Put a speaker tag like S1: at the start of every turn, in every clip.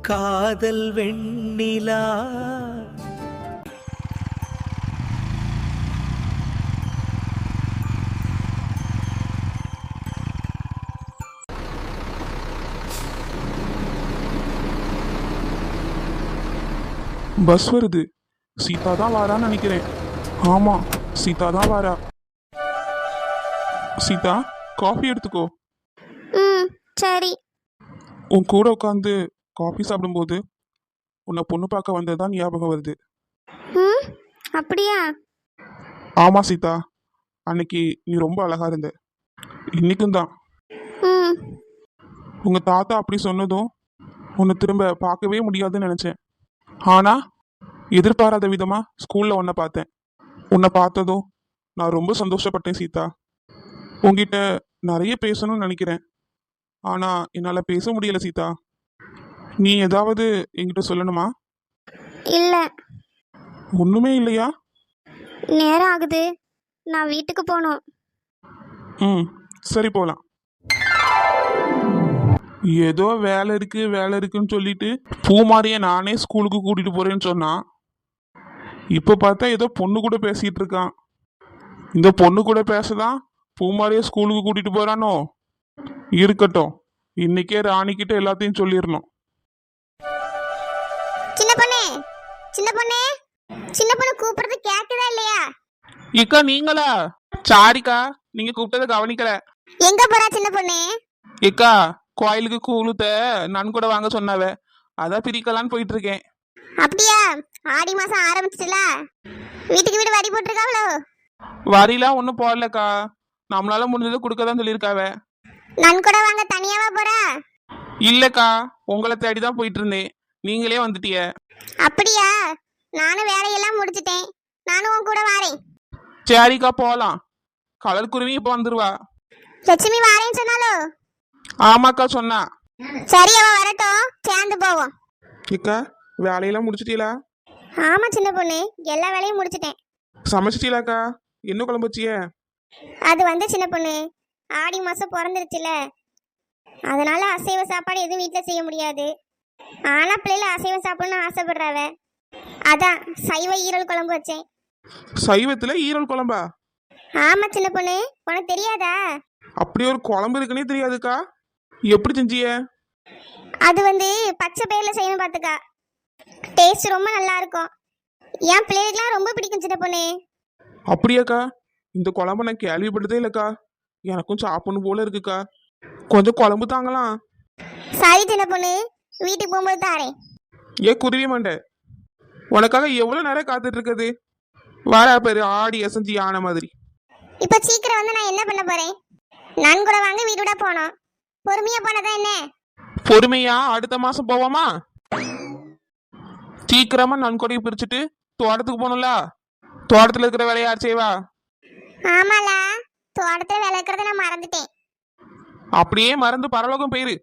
S1: காதல் வெண்ணிலா.
S2: பஸ் வருது. சீதா தான் வாரான்னு நினைக்கிறேன். ஆமா, சீதா தான் வாரா. சீதா, காஃபி எடுத்துக்கோ.
S3: ம், சரி.
S2: உன் கூட உட்காந்து காஃபி சாப்பிடும்போது உன்னை பொண்ணு பார்க்க வந்ததுதான் ஞாபகம் வருது.
S3: ம், அப்படியா?
S2: ஆமா சீதா, அன்னைக்கு நீ ரொம்ப அழகா இருந்த. இன்னைக்கும் தான்.
S3: ம்,
S2: உங்க தாத்தா அப்படி சொன்னதும் உன்னை திரும்ப பார்க்கவே முடியாதுன்னு நினைச்சேன். ஆனா எதிர்பாராத விதமா ஸ்கூல்ல உன்னை பார்த்தேன். உன்னை பார்த்ததும் நான் ரொம்ப சந்தோஷப்பட்டேன் சீதா. உன்கிட்ட நிறைய பேசணும்னு நினைக்கிறேன், ஆனா என்னால பேச முடியல சீதா. நீ ஏதாவது என்கிட்ட சொல்லணுமா?
S3: இல்ல.
S2: ஒண்ணுமே இல்லையா?
S3: நேரம் ஆகுது, நான் வீட்டுக்கு போகணும்.
S2: ம், சரி போலாம். ஏதோ வேலை இருக்கு வேலை இருக்குன்னு சொல்லிட்டு பூமாரிய நானே ஸ்கூலுக்கு கூட்டிட்டு போறேன்னு சொன்னான். இப்ப பார்த்தா ஏதோ பொண்ணு கூட பேசிட்டு இருக்கான். இந்த பொண்ணு கூட பேசதான் பூமாரிய ஸ்கூலுக்கு கூட்டிட்டு போறானோ? இருக்கட்டும், இன்னைக்கே ராணிக்கிட்ட எல்லாத்தையும் சொல்லிடணும்.
S3: சின்ன பொண்ணே, சின்ன பொண்ணே, சின்ன பொண்ணு கூப்பிடுறது கேக்குதா இல்லையா?
S2: இக்கா நீங்களா? சாரிக்கா, நீங்க கூப்பிட்டதை கவனிக்கல.
S3: எங்க போறா சின்ன பொண்ணே?
S2: இக்கா, கோயிலுக்கு கூழுத்த நான் கூட வாங்க சொன்னாவ, அதான் பிரிக்கலான்னு போயிட்டு இருக்கேன்.
S3: அப்படியா? ஆடி மாசம் ஆரம்பிச்சிட்டுல, வீட்டுக்கு வீடு வரி போட்டிருக்காங்களோ?
S2: வரிலாம் ஒன்றும் போடலக்கா, நம்மளால முடிஞ்சதை கொடுக்க தான் சொல்லியிருக்காவ.
S3: நன்கொடை வாங்க தனியாவா போறா?
S2: இல்லக்கா, உங்களை தேடி தான் போயிட்டு இருந்தேன், நீங்களே வந்துட்டிய.
S3: அப்படியா? நானும் வேலையெல்லாம் முடிச்சிட்டேன், நானும் உன் கூட வாரேன்.
S2: சரிக்கா போலாம். கலர் குருவி இப்போ வந்துருவா.
S3: லட்சுமி வாரேன்னு சொன்னாலோ?
S2: ஆமாக்கா சொன்னா.
S3: சரி, அவ வரட்டும், சேர்ந்து போவோம்.
S2: இக்கா, வேலையெல்லாம் முடிச்சிட்டீங்களா?
S3: ஆமா சின்ன பொண்ணு, எல்லா வேலையும் முடிச்சிட்டேன்.
S2: சமைச்சிட்டீங்களாக்கா? என்ன குழம்பு வச்சிய?
S3: அது வந்து சின்ன பொண்ணு, ஆடி மாசம் பிறந்துருச்சுல, அதனால அசைவ சாப்பாடு எதுவும் வீட்டில் செய்ய முடியாது. ஆனா பிள்ளைல அசைவம் சாப்பிடணும்னு ஆசைப்படுறாவ, அதான் சைவ ஈரல் குழம்பு வச்சேன்.
S2: சைவத்துல ஈரல் குழம்பா?
S3: ஆமா சின்ன பொண்ணு, உனக்கு தெரியாதா?
S2: அப்படி ஒரு குழம்பு இருக்குன்னே தெரியாதுக்கா. எப்படி செஞ்சிய?
S3: அது வந்து பச்சை பயிர்ல செய்யணும் பார்த்துக்கா, டேஸ்ட் ரொம்ப நல்லா இருக்கும். என் பிள்ளைகளுக்குலாம் ரொம்ப பிடிக்கும் சின்ன பொண்ணு.
S2: அப்படியாக்கா? இந்த குழம்பு நான் கேள்விப்பட்டதே இல்லக்கா, எனக்கும் சாப்பிடணும் போல இருக்குக்கா. கொஞ்சம் குழம்பு தாங்கலாம்.
S3: சரி சின்ன பொண்ணு, வீட்டுக்கு போகும்போது தாரேன்.
S2: குருவி மண்டை, உனக்காக எவ்வளவு நேரம் காத்துட்டு இருக்குது. வாரா பேரு ஆடி அசஞ்சி ஆன மாதிரி.
S3: இப்ப சீக்கிரம் வந்து நான் என்ன பண்ண போறேன்? நான் கூட வாங்க வீடு விட போனோம், பொறுமையா போனதான் என்ன?
S2: பொறுமையா அடுத்த மாசம் போவோமா? சீக்கிரமா நன்கொடையை பிரிச்சுட்டு தோட்டத்துக்கு போகணும்ல. தோட்டத்துல இருக்கிற வேலையை யார் செய்வா?
S3: ஆமால, தோட்டத்தை விளக்குறத நான் மறந்துட்டேன்.
S2: அப்படியே மறந்து பரலோகம் போயிரு.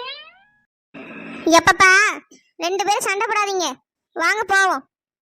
S3: எப்பப்பா, 2 பேரும் சண்டை போடாதீங்க, வாங்க போவோம்.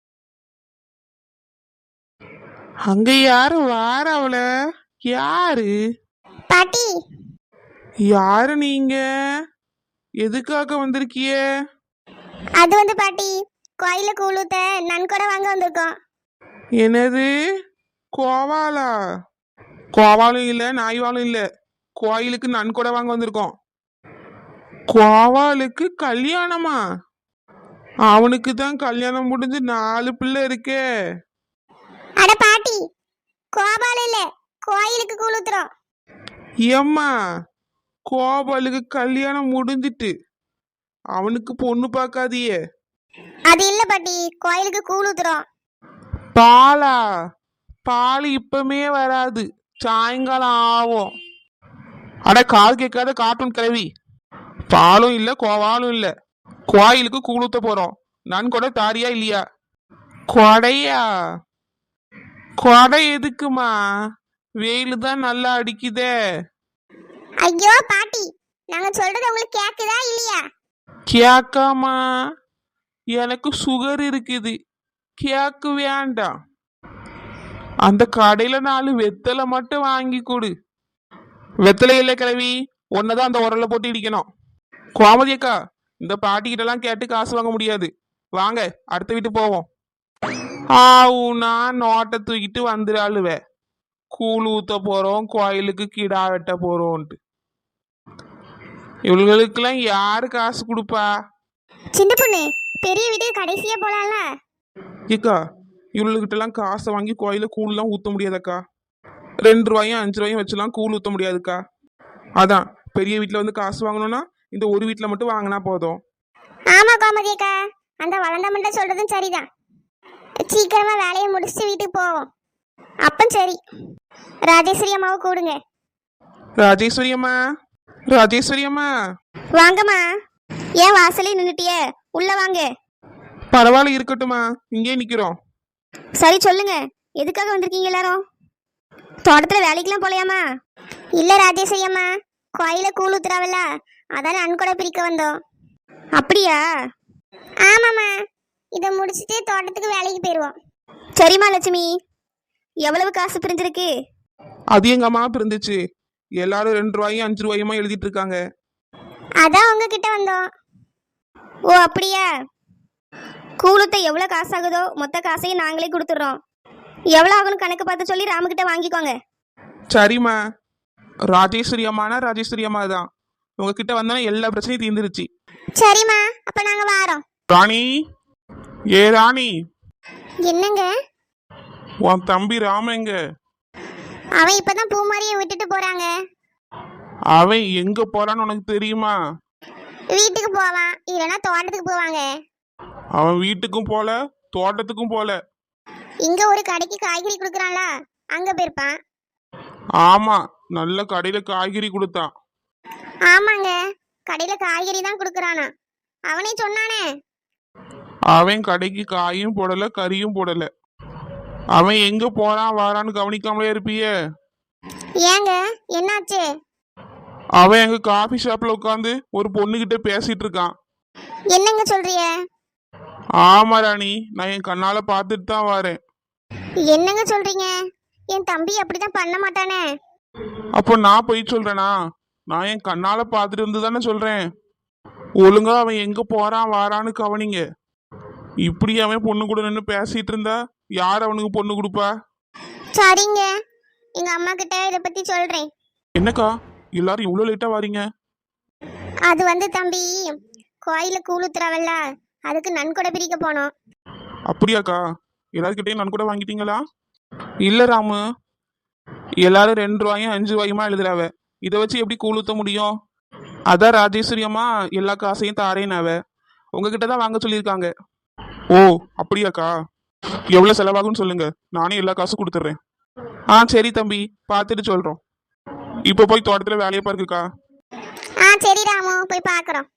S2: அங்க யாரு வார? அவள யாரு?
S3: பாட்டி.
S2: யாரு நீங்க? எதுக்காக வந்திருக்கிய?
S3: அது வந்து பாட்டி, கோயில கூழுத்த நன்கொடை வாங்க வந்திருக்கோம்.
S2: என்னது? கோவாலா? கோவாலும் இல்ல நாய்வாலும் இல்ல, கோயிலுக்கு நன்கொடை வாங்க வந்திருக்கோம். கோவாலுக்கு கல்யாணமா? அவனுக்கு தான் கல்யாணம் முடிஞ்சு 4 பிள்ளை இருக்கே.
S3: அட பாட்டி, கோபால இல்ல, கோயிலுக்கு கூழுத்துறோம்.
S2: ஏம்மா, கோபாலுக்கு கல்யாணம் முடிஞ்சிட்டு அவனுக்கு பொண்ணு பார்க்காதியே.
S3: அது இல்ல பாட்டி, கோயிலுக்கு கூழுத்துறோம்.
S2: பாலா? பால் இப்பமே வராது, சாயங்காலம் ஆகும். அட காது கேட்காத கார்ட்டூன் கிளவி. பாலும் இல்ல கோவாலும் இல்ல, கோயிலுக்கு கூழுத்த போறோம். நான் கூட தாரியா இல்லையா? கொடையா? கொடை எதுக்குமா? வெயிலு தான் நல்லா அடிக்குதே.
S3: ஐயோ பாட்டி, நாங்க சொல்றது உங்களுக்கு கேக்குதா இல்லையா?
S2: கேக்காமா? எனக்கு சுகர் இருக்குது, கேக்கு வேண்டாம். அந்த கடையில 4 வெத்தலை மட்டும் வாங்கி கொடு. வெத்தலை இல்லை கிளவி, ஒன்னதான் அந்த உரல்ல போட்டு இடிக்கணும். கோமதி அக்கா, இந்த பாட்டிக்கிட்டலாம் கேட்டு காசு வாங்க முடியாது. வாங்க அடுத்த வீட்டு போவோம். ஆவுனா நோட்டை தூக்கிட்டு வந்துடாளுவே. கூழ் ஊத்த போறோம், கோயிலுக்கு கிடா வெட்ட போறோம்ட்டு. இவளுகளுக்கெல்லாம் யாரு காசு கொடுப்பா?
S3: சின்ன பொண்ணு பெரிய வீட்டுக்கு கடைசியா போலாம்ல.
S2: ஏக்கா இவளுகிட்டலாம் காசை வாங்கி கோயில கூழ்லாம் ஊற்ற முடியாதக்கா. 2 ரூபாயும் 5 ரூபாயும் வச்சுலாம் கூழ் ஊற்ற முடியாதுக்கா. அதான் பெரிய வீட்டில் வந்து காசு வாங்கணும்னா இந்த ஒரு வீட்டில் மட்டும் வாங்கினா போதும்.
S3: ஆமா கோமதி அக்கா, அந்த வளர்ந்த மண்டை சொல்றதும் சரிதான். சீக்கிரமா வேலையை முடிச்சுட்டு வீட்டுக்கு போவோம். அப்ப சரி, ராஜேஸ்வரி அம்மாவை கூடுங்க.
S2: ராஜேஸ்வரி அம்மா, ராஜேஸ்வரி அம்மா.
S3: வாங்கம்மா. ஏன் வாசலே நின்னுட்டியே, உள்ள வாங்க.
S2: பரவாயில்ல இருக்கட்டுமா, இங்கே நிக்கிறோம்.
S3: சரி சொல்லுங்க, எதுக்காக வந்திருக்கீங்க எல்லாரும்? தோட்டத்துல வேலைக்கெல்லாம் போலையாமா? இல்ல ராஜேஸ்வரி அம்மா, கோயில கூழ் ஊத்துறாவல்ல, அதான நன்கொடை பிரிக்க வந்தோம். அப்படியா? ஆமாம்மா, இதை முடிச்சுட்டு தோட்டத்துக்கு வேலைக்கு போயிடுவோம். சரிம்மா லட்சுமி, எவ்வளவு காசு பிரிஞ்சிருக்கு?
S2: அது எங்க அம்மா பிரிந்துச்சு. எல்லாரும் 2 ரூபாயும் 5 ரூபாயுமா எழுதிட்டு இருக்காங்க.
S3: அதான் உங்ககிட்ட வந்தோம். ஓ அப்படியா? கூழுத்த எவ்வளோ காசு ஆகுதோ மொத்த காசையும் நாங்களே கொடுத்துட்றோம். எவ்வளோ ஆகும்னு கணக்கு பார்த்து சொல்லி ராமுக்கிட்ட வாங்கிக்கோங்க.
S2: சரிம்மா. ராஜேஸ்வரி அம்மானா ராஜேஸ்வரி அம்மா தான். உங்ககிட்ட வந்தா எல்லா பிரச்சனையும் தீர்ந்துருச்சு.
S3: சரிம்மா, அப்ப நாங்க வாரோம்.
S2: ராணி, ஏ ராணி.
S3: என்னங்க?
S2: உன் தம்பி ராம எங்க?
S3: அவன் இப்பதான் பூமாரியை விட்டுட்டு போறாங்க.
S2: அவன் எங்க போறான்னு உனக்கு தெரியுமா?
S3: வீட்டுக்கு போவான், இல்லைன்னா தோட்டத்துக்கு போவாங்க.
S2: அவன் வீட்டுக்கும் போல தோட்டத்துக்கும் போல.
S3: இங்க ஒரு கடைக்கு காய்கறி கொடுக்குறான்ல, அங்க போயிருப்பான்.
S2: ஆமா, நல்ல கடையில காய்கறி கொடுத்தான்.
S3: ஆமாங்க, கடையில காய்கறி தான் கொடுக்குறானா, அவனே சொன்னானே.
S2: அவன் கடைக்கு காயும் போடல கறியும் போடல. அவன் எங்க போறான் வாரான்னு கவனிக்காமலே இருப்பிய.
S3: ஏங்க என்னாச்சு?
S2: அவன் எங்க காஃபி ஷாப்ல உட்காந்து ஒரு பொண்ணுகிட்ட பேசிட்டு இருக்கான்.
S3: என்னங்க சொல்றிய?
S2: ஆமா ராணி, நான் என் கண்ணால பார்த்துட்டு தான் வரேன்.
S3: என்னங்க சொல்றீங்க? என் தம்பி அப்படிதான் பண்ண மாட்டானே.
S2: அப்போ நான் போய் சொல்றேனா? நான் என் கண்ணால பார்த்துட்டு வந்து தானே சொல்றேன். ஒழுங்கா அவன் எங்க போறான் வாரான்னு கவனிங்க. இப்படி அவன் பொண்ணு கூட நின்று பேசிட்டு இருந்தா யார் அவனுக்கு பொண்ணு கொடுப்பா?
S3: சரிங்க, எங்க அம்மா கிட்ட இதை பத்தி சொல்றேன்.
S2: என்னக்கா எல்லாரும் இவ்வளோ லேட்டா வாரீங்க?
S3: அது வந்து தம்பி, கோயில கூழுத்துறாவல்ல, அதுக்கு நன்கொடை பிரிக்க போனோம்.
S2: அப்படியாக்கா? எல்லாருக்கிட்டையும் நான் கூட வாங்கிட்டீங்களா? இல்ல ராமு, எல்லாரும் 2 ரூபாயும் 5 ரூபாயுமா எழுதுறாவ. இதை வச்சு எப்படி கூழ் ஊத்த முடியும்? அதான் ராஜேஸ்வரி அம்மா எல்லா காசையும் தாரேனாவ. உங்ககிட்ட தான் வாங்க சொல்லியிருக்காங்க. ஓ அப்படியாக்கா? எவ்வளோ செலவாகும்னு சொல்லுங்க, நானே எல்லா காசும் கொடுத்துட்றேன். சரி தம்பி, பார்த்துட்டு சொல்றோம். இப்போ போய் தோட்டத்தில் வேலையை பாருக்குக்கா.
S3: சரி ராமு, போய் பார்க்குறோம்.